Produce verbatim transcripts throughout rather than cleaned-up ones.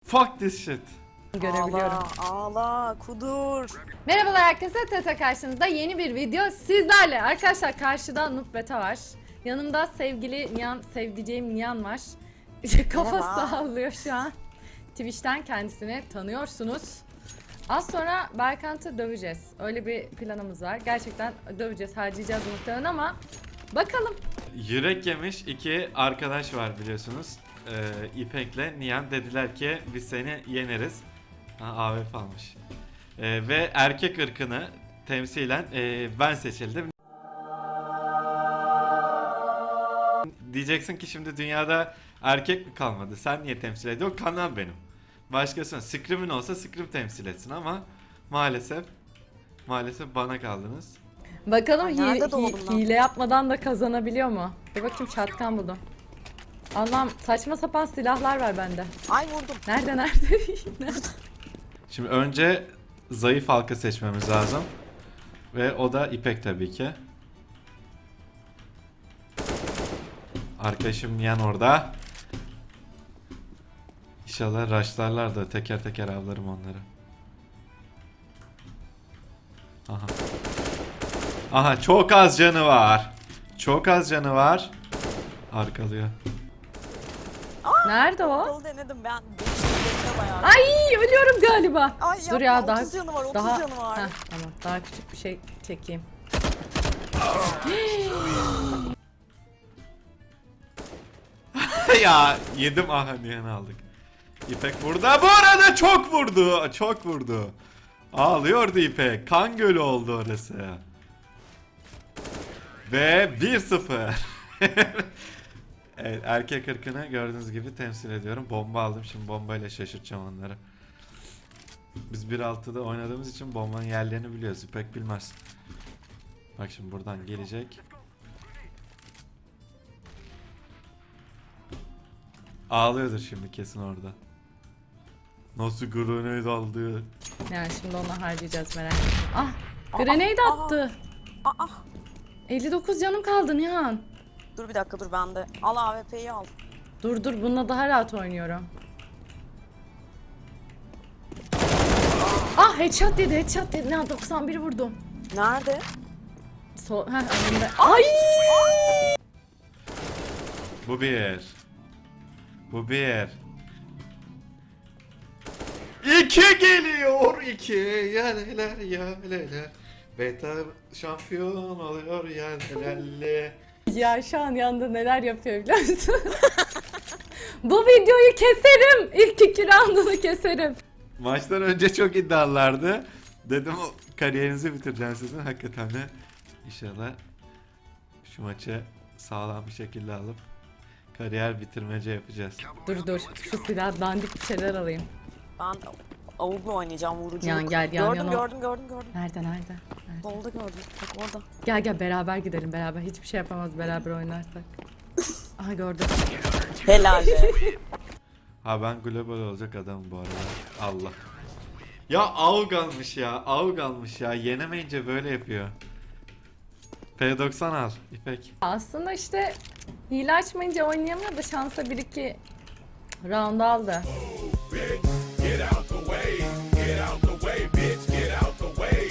Fuck this shit. Görebiliyorum. Ağla, ağla, kudur. Merhabalar herkese, Teta karşınızda yeni bir video sizlerle. Arkadaşlar karşıda Noob Beta var. Yanımda sevgili Nihan, sevdiceğim Nihan var. Kafa Merhaba. sallıyor şu an. Twitch'ten kendisini tanıyorsunuz. Az sonra Berkant'ı döveceğiz. Öyle bir planımız var. Gerçekten döveceğiz, harcayacağız muhtemelen ama bakalım. Yürek yemiş iki arkadaş var biliyorsunuz. Ee, İpek'le Nihan dediler ki biz seni yeneriz. Ha, A W P almış. Ee, ve erkek ırkını temsilen e, ben seçildim. Diyeceksin ki şimdi dünyada erkek mi kalmadı? Sen niye temsil ediyorsun? Kanal benim. Başkasına Scream'in olsa Scream temsil etsin ama maalesef maalesef bana kaldınız. Bakalım Ay, hi- nerede doğdum hi- lan? hile yapmadan da kazanabiliyor mu? Bir bakayım, çatkan buldum. Allah'ım, saçma sapan silahlar var bende. Ay vurdum. Nerede nerede? Nerede? Şimdi önce zayıf halka seçmemiz lazım. Ve o da İpek tabii ki. Arkadaşım Nihan orada. İnşallah rushlarlar da teker teker avlarım onları. Aha. Aha, çok az canı var. Çok az canı var. Arkalıyor. Nerede o? Kolu denedim ben. Benim bayağı. Ay, ölüyorum galiba. Ay Dur yapma, ya, daha otuz canı var, otuz daha canı var. Heh, tamam, daha küçük bir şey çekeyim. Ya yedim, aha Nihan'ı aldık. İpek burada, bu arada çok vurdu. Çok vurdu. Ağlıyordu İpek. Kan gölü oldu orası. Ve bir sıfır. Evet, erkek ırkını gördüğünüz gibi temsil ediyorum. Bomba aldım, şimdi bombayla şaşırtacağım onları. Biz bir altıda oynadığımız için bombanın yerlerini biliyoruz. İpek bilmez. Bak şimdi buradan gelecek. Ağlıyordur şimdi kesin orada. Nasıl grenade aldı? Yani şimdi onu harcayacağız, merak etme. Ah, grenade aa. attı. Aa, elli dokuz canım kaldı Nihan. dur bir dakika, dur bende. Al A W P'yi al. Dur dur, bununla daha rahat oynuyorum. Ah, headshot dedi, headshot dedi. Nihan, doksan bir vurdum. Nerede? Sol, heh, önümde. Ay! Bu bir. Bu bir. İki geliyor, iki yaleler yaleler. Beta şampiyon oluyor yalelerle. Ya şu an yanında neler yapıyor biliyor musun? Bu videoyu keserim. İlk iki roundunu keserim. Maçtan önce çok iddialılardı. Dedim o kariyerinizi bitireceğim sizin. Hakikaten de inşallah şu maçı sağlam bir şekilde alıp kariyer bitirmece yapacağız. Dur dur, şu silah dandik bir şeyler alayım. Ben avukla oynayacağım, vuruculuk. Yan gel, yan gördüm, yana. gördüm, gördüm, gördüm. Nerede nerede? Nerede? Solda gördüm. Bak orada. Gel gel, beraber gidelim, beraber. Hiçbir şey yapamaz beraber oynarsak. Aha, gördüm. Helal be. Ha, ben global olacak adamım bu arada. Allah. Ya AUG almış ya. AUG almış ya. Yenemeyince böyle yapıyor. P doksan al İpek. Aslında işte hile açmayınca oynayamıyor da şansa bir iki round aldı. Get out the way, get out the way, bitch, get out the way.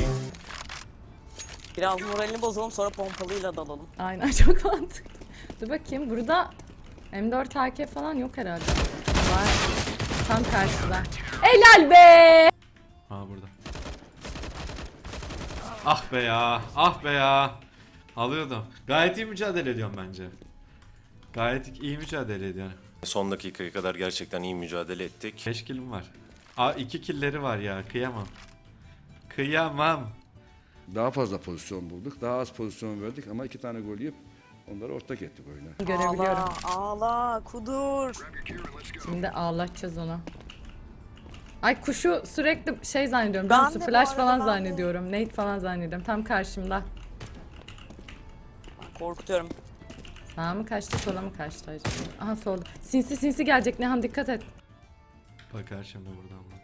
Biraz moralini bozalım, sonra pompalıyla dalalım. Aynen, çok mantıklı. Dur bakayım, burada M dört A K falan yok herhalde. Var. Tam karşıda. Helal be! Ha, burada. Ah be ya. Ah be ya. Alıyordum. Gayet iyi mücadele ediyorum bence. Gayet iyi mücadele ediyorum. Son dakikaya kadar gerçekten iyi mücadele ettik. beş killim var. Aa, iki killleri var ya. Kıyamam. Kıyamam. Daha fazla pozisyon bulduk. Daha az pozisyon verdik ama iki tane gol yiyip onları ortak ettik oyuna. Görebiliyorum. Ağla, ağla, kudur. Şimdi ağlatacağız onu. Ay, kuşu sürekli şey zannediyorum. Ben biliyor musun? de bu Flash arada, falan ben de. zannediyorum. Nate falan zannediyorum. Tam karşımda. Korkutuyorum. Sağa mı kaçtı, sola mı kaçtı acaba? Aha, solda. Sinsi sinsi gelecek Nihan, dikkat et. Bakar şimdi buradan bak.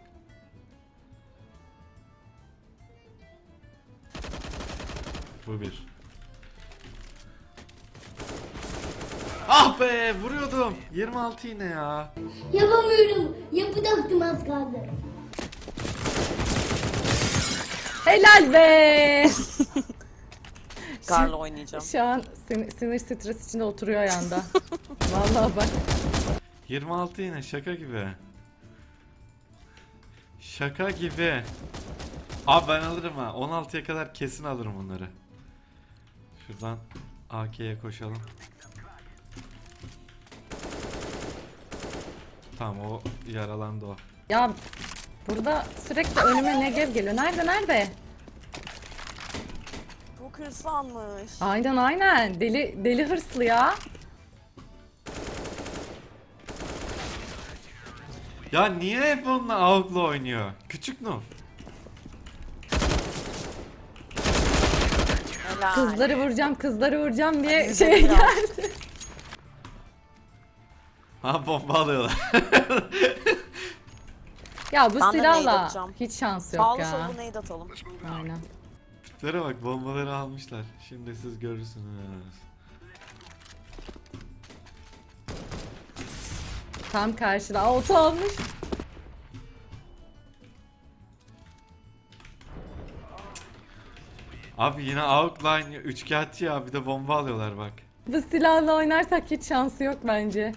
Bu bir. Ah be vuruyordum. yirmi altı yine ya. Yapamıyorum. Yapacaktım az kaldı. Helal be. Karla oynayacağım. Şu an sinir, sinir stres içinde oturuyor yanda. Vallahi bak. yirmi altı yine şaka gibi. Şaka gibi. Abi ben alırım ha. on altıya kadar kesin alırım bunları. Şuradan A K'ye koşalım. Tamam o yaralandı o. Ya burada sürekli önüme Negev geliyor. Nerede nerede? Çok hırslanmış. Aynen aynen. Deli deli hırslı ya. Ya niye hep onunla AWP'la oynuyor? Küçük noob. Helal. Kızları vuracağım, kızları vuracağım diye Hadi şey güzel. geldi. Ha bomba alıyorlar. Ya bu Ben de nade silahla atacağım. hiç şans yok Sağlı ya. sollu nade atalım. Aynen. Tiplere bak bombaları almışlar. Şimdi siz görürsünüz. Tam karşıda auto almış. Abi yine outline üçkağıtçı ya bir de bomba alıyorlar bak. Bu silahla oynarsak hiç şansı yok bence.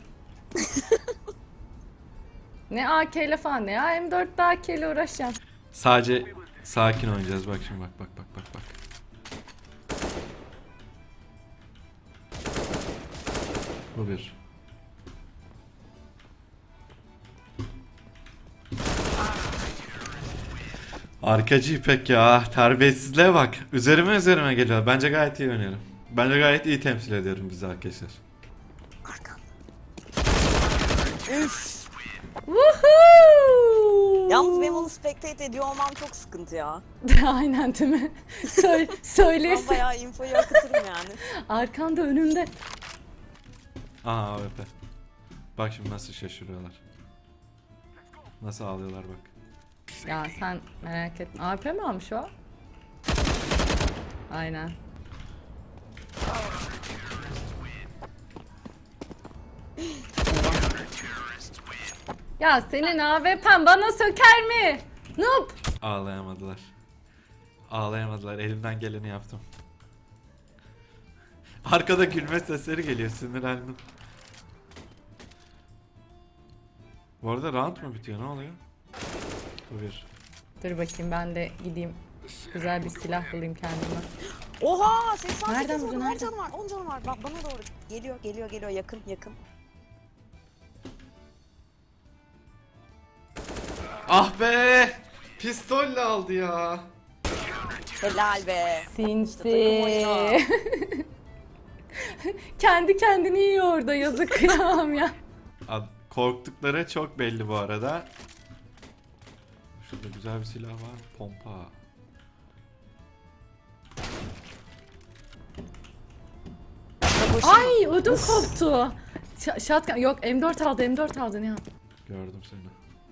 Ne A K ile falan ne ya M dörtte A K ile uğraşacağım. Sadece sakin oynayacağız bak şimdi bak bak bak bak bak. Bu bir. Arkacı İpek ya terbiyesizliğe bak. Üzerime üzerime geliyor. Bence gayet iyi oynuyorum. Bence gayet iyi temsil ediyorum bizi arkadaşlar. Arkan. Üf. Woohoo! Yalnız benim onu spectate ediyor olmam çok sıkıntı ya. Aynen değil mi? Söyle, Ben söylesin. bayağı infoyu akıtırım yani. Arkanda önünde. Aha A W P. Bak şimdi nasıl şaşırıyorlar. Nasıl ağlıyorlar bak. Ya sen merak etme. A P mi almış o? Aynen. Ya senin A W P'n bana söker mi? Noob! Ağlayamadılar. Ağlayamadılar. Elimden geleni yaptım. Arkada gülme sesleri geliyor. Sinirlendim. Bu arada round mu bitiyor? Ne oluyor? Bu bir. Dur bakayım ben de gideyim. Güzel bir silah bulayım kendime. Oha! seksen Nereden sekiz vurdun, vurdum. on nereden? canı var. on canı var. Bak bana doğru. Geliyor, geliyor, geliyor. Yakın, yakın. Ah be! Pistolle aldı ya. Helal be. Sinsi. takım oyunu. Kendi kendini yiyor orada yazık kıyamam ya. Ad- Korktukları çok belli bu arada. Şurada güzel bir silah var. Pompa. Ay ödüm koptu. Ş- Shotgun yok M dört aldı M dört aldı Nihan. Gördüm seni.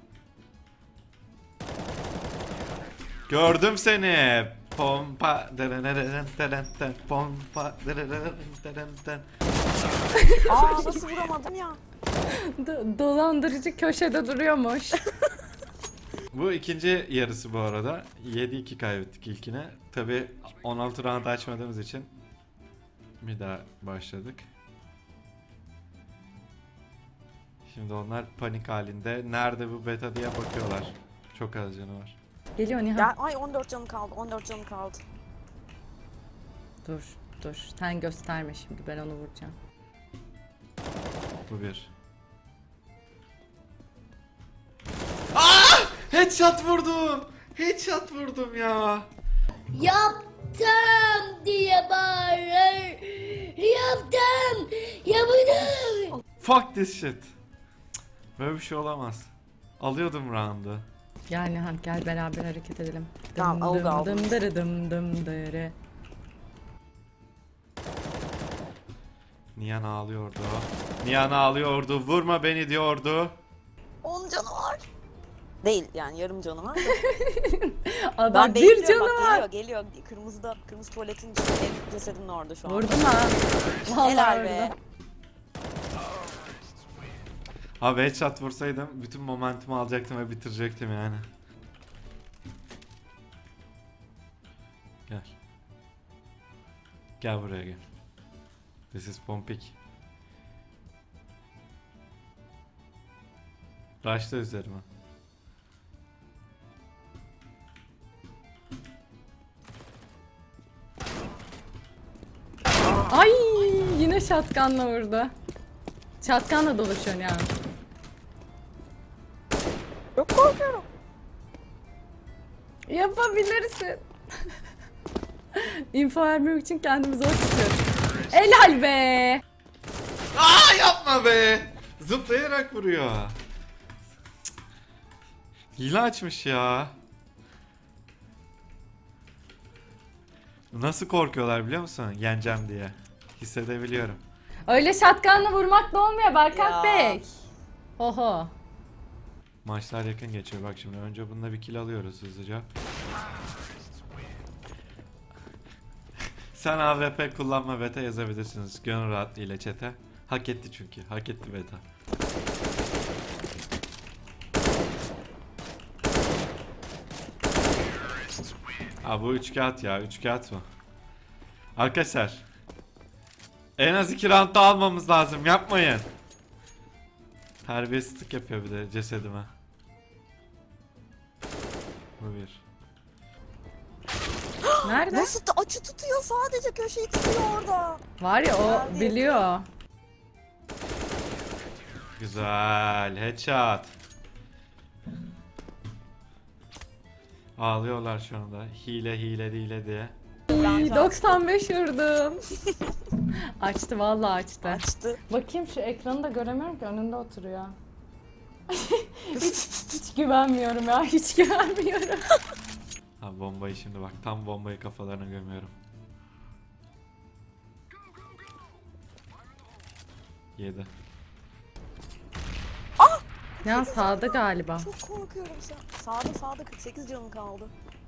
Gördüm seni. Pompa. Pompa. Aa nasıl vuramadım ya? Do- dolandırıcı köşede duruyormuş. Bu ikinci yarısı bu arada. yedi iki kaybettik ilkine. Tabi on altı round açmadığımız için bir daha başladık. Şimdi onlar panik halinde. Nerede bu beta diye bakıyorlar. Çok az canı var. Geliyor Nihan. Ya ay on dört canım kaldı. on dört canım kaldı. Dur dur sen gösterme şimdi ben onu vuracağım. Bu bir. Aa! Headshot vurdum. Headshot vurdum ya. Yaptım diye bağırır. Yaptım. Yaptım. Fuck this shit. Cık, böyle bir şey olamaz. Alıyordum round'u. Gel Nihan gel beraber hareket edelim. Tamam, Dım oldu, dım aldım. dım dırı dım dım dırı. Nihan ağlıyordu. Nihan ağlıyordu. Vurma beni diyordu. on canı var. Değil yani yarım canı var. Adam bir bekliyorum, canı bak, var. Geliyor geliyor. Kırmızıda, kırmızı tuvaletin içinde. Cesedin orada şu an. Vurdum ha. Vallahi Helal be. vurdum. Abi headshot vursaydım bütün momentumu alacaktım ve bitirecektim yani. Gel. Gel buraya gel. This is Pompik. Rush'ta üzerime. Ay yine şatkanla vurdu. Şatkanla dolaşıyorsun yani. Çok korkuyorum. Yapabilirsin. İnfo vermek için kendimi zor tutuyorum. Helal be. Aa yapma be. Zıplayarak vuruyor. Hile açmış ya. Nasıl korkuyorlar biliyor musun? Yeneceğim diye. Hissedebiliyorum. Öyle şatkanla vurmak da olmuyor Berkant Ya. Bey. Oho. Maçlar yakın geçiyor bak şimdi. Önce bununla bir kill alıyoruz hızlıca. Sen A W P kullanma beta yazabilirsiniz. Gönül rahatlığıyla chat'e. Hak etti çünkü. Hak etti beta. Aa bu üç kağıt ya. Üç kağıt mı? Arkadaşlar. En az iki round da almamız lazım. Yapmayın. Terbiyesizlik yapıyor bir de cesedime. Bu bir. Nerede? Nasıl da açı tutuyor, sadece köşeyi tutuyor orada. Var ya o Nerede? biliyor. Güzel. Headshot. Ağlıyorlar şu anda. Hile hile hile diye. Ay, doksan beş vurdum. Açtı vallahi açtı. Açtı. Bakayım şu ekranı da göremiyorum ki önünde oturuyor. hiç, hiç güvenmiyorum ya hiç güvenmiyorum. Ha bombayı şimdi bak tam bombayı kafalarına gömüyorum. Yedi. Ya sağda galiba. Çok korkuyorum sen. Sağda sağda kırk sekiz canım kaldı.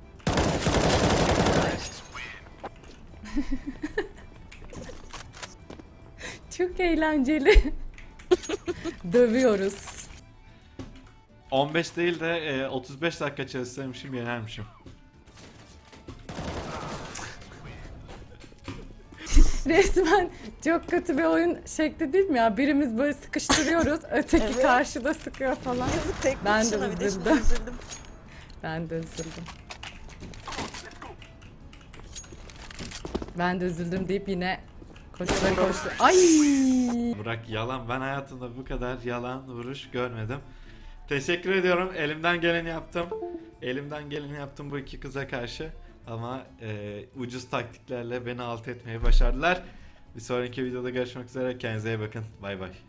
Çok eğlenceli. Dövüyoruz. on beş değil de e, otuz beş dakika çalışsaymışım yenermişim. Resmen çok kötü bir oyun şekli değil mi ya? Birimiz böyle sıkıştırıyoruz, öteki Evet. karşıda sıkıyor falan. Yazık tek Ben de başına, bir de şimdi üzüldüm. üzüldüm. Ben de üzüldüm. Ben de üzüldüm deyip yine koştura koştu. Ay! Bırak yalan, ben hayatımda bu kadar yalan vuruş görmedim. Teşekkür ediyorum, elimden geleni yaptım. Elimden geleni yaptım bu iki kıza karşı. Ama e, ucuz taktiklerle beni alt etmeyi başardılar. Bir sonraki videoda görüşmek üzere, kendinize iyi bakın. Bay bay.